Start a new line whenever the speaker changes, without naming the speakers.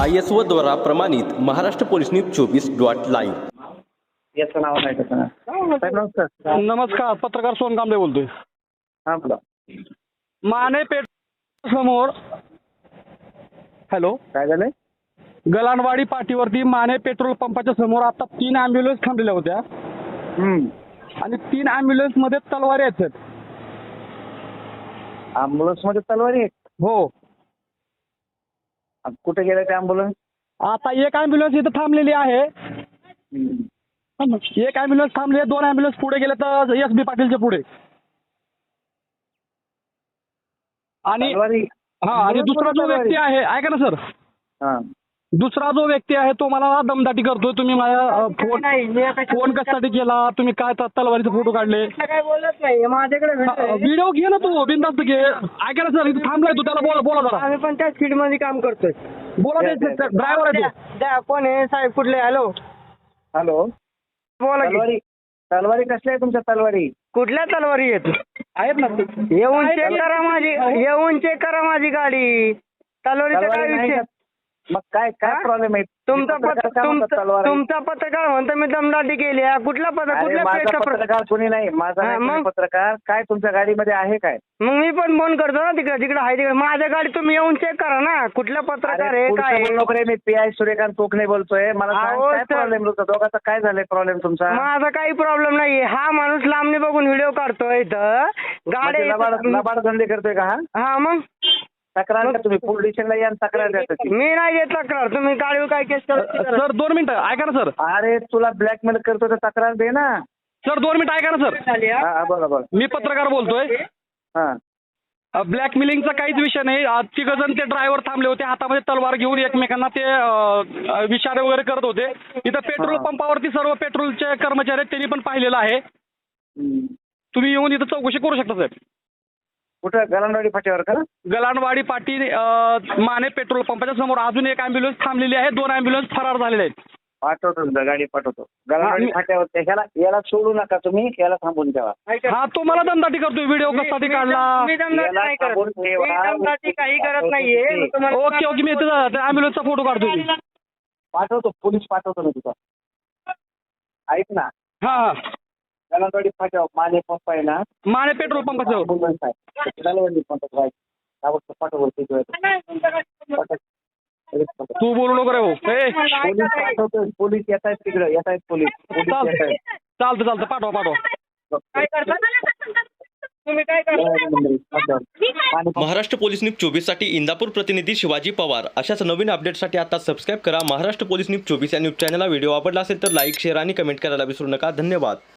ISO द्वारा प्रमाणित Maharashtra police news 24.live
याचं नाव नाही त्याचं नाव. साहेब नमस्कार.
नमस्कार, पत्रकार सोन कांबळे बोलतोय.
हां बोला.
माने पेठ समोर हॅलो,
काय झालंय?
गलांडवाडी पाटीवरती माने पेट्रोल पंपाच्या समोर आता 3 ॲम्ब्युलन्स थांबलेल्या होत्या आणि 3 ॲम्ब्युलन्स मध्ये तलवारी आहेत.
अँब्युलन्स मध्ये तलवारी आहे?
हो,
कुठे गेले ते अँब्युलन्स?
आता एक ॲम्ब्युलन्स इथं थांबलेली आहे. एक ॲम्ब्युलन्स थांबली आहे, 2 ॲम्ब्युलन्स पुढे गेले तर SB पाटीलच्या पुढे. आणि
तलवारी?
आणि दुसरा जो व्यक्ती आहे, ऐका ना सर,
हां.
दुसरा जो व्यक्ती आहे तो मला दमदाटी करतोय. तुम्ही माझ्या फोन कशासाठी केला, तुम्ही काय तलवारीचे फोटो काढले,
काय बोलत नाही माझ्याकडे.
व्हिडिओ घे ना तू, बिनधास्त घे. ऐका ना सर, इथं थांबलाय तू, त्याला बोला जरा.
आम्ही पण त्याच फील्ड मध्ये काम करतोय.
बोला, ड्रायव्हर आहे तो.
कोण आहे साहेब? कुठले? हॅलो
हॅलो,
बोला की.
तलवारी तलवारी कसल्या आहे तुमच्या तलवारी?
कुठल्या तलवारी आहेत ना? येऊन चेक करा माझी, येऊन चेक करा माझी गाडी. तलवारीचा काय
तलवारी नाही
विषय?
का? मग काय प्रॉब्लेम आहे?
तुमचा
पत्रकार काय म्हणतात तलवार आहे?
तुमचा पत्रकार म्हणतो मी दमदाटी केली. कुठला
अरे
कुठल्या
माझा
पेजचा
पत्रकार कोणी नाही, माझा
हां,
नाही कोणी
मग?
पत्रकार. काय तुमच्या गाडीमध्ये आहे काय?
मग मी पण फोन करतो ना तिकडे जिकडे आहे तिकडे. माझ्या गाडी तुम्ही येऊन चेक करा ना, कुठल्या पत्रकार आहे काय आहे.
नोकरी मी PI सूर्यकांत कोकणे बोलतोय. मला सांग,
अहो,
काय
सर.
प्रॉब्लेम तुमचा? दोघांचा काय झालंय प्रॉब्लेम तुमचा?
माझा काही प्रॉब्लेम नाही. हा माणूस लांबणी बघून व्हिडिओ काढतोय इथं
म्हणजे लबाड धंदे करतोय का हा?
हा मग
तक्रार द्या तुम्ही, पोलीस स्टेशनला या आणि तक्रार द्या त्याची.
मी नाही देत तक्रार. तुम्ही गाडीवर काय केस करा.
सर 2 मिनिटं ऐका ना सर.
अरे तुला ब्लॅकमेल करतो तर तक्रार दे ना.
सर 2 मिनिटं ऐका ना सर.
हा बोला बोला.
मी पत्रकार बोलतोय.
हा
ब्लॅकमेलिंगचा काहीच विषय नाही. 3 जण ते ड्रायव्हर थांबले होते, हातामध्ये तलवार घेऊन एकमेकांना ते विचारे वगैरे करत होते. इथं पेट्रोल पंपावरती सर्व पेट्रोलचे कर्मचारी आहेत, त्यांनी पण पाहिलेलं आहे. तुम्ही येऊन इथं चौकशी करू शकता साहेब.
कुठं? गलांडवाडी फाट्यावर का?
गलांडवाडी पाटी माने पेट्रोल पंपाच्या समोर अजून एक ॲम्ब्युलन्स थांबलेली आहे. 2 ॲम्ब्युलन्स फरार झालेले आहेत.
पाठवतो तुझं, गाडी पाठवतो. गलांडवाडी फाट्यावर याला सोडू नका तुम्ही, याला थांबून ठेवा.
हा, तो मला दमदाटी करतोय. व्हिडिओ कशासाठी काढला?
मी दमदाटी नाही करत.
थांबून ठेवा.
मी दमदाटी काही करत नाहीये. मी तुम्हाला
ओके, मी ॲम्ब्युलन्सचा फोटो काढतोय.
पाठवतो, पोलीस पाठवतो ना तुझा. ऐक ना,
हा,
गलांडवाडी फाट्यावर माने पंप आहे ना,
माने पेट्रोल पंपाचं.
ambulance आहे. गलांडवाडी पंपात राहायचं. त्यावर पाठवतो
तू बोलू नको रे भाऊ.
पोलीस पाठवतो. पोलीस येत आहेत तिकडे, येत आहेत पोलीस.
चालतं पाठवा.
काय करता? तुम्ही काय करता?
महाराष्ट्र पोलीस न्यूज 24 साठी इंदापूर प्रतिनिधी शिवाजी पवार. अशाच नवीन अपडेटसाठी आता सबस्क्राईब करा महाराष्ट्र पोलीस न्यूज 24 या न्यूज चॅनलला. व्हिडिओ आवडला असेल तर लाईक, शेअर आणि कमेंट करायला विसरू नका. धन्यवाद.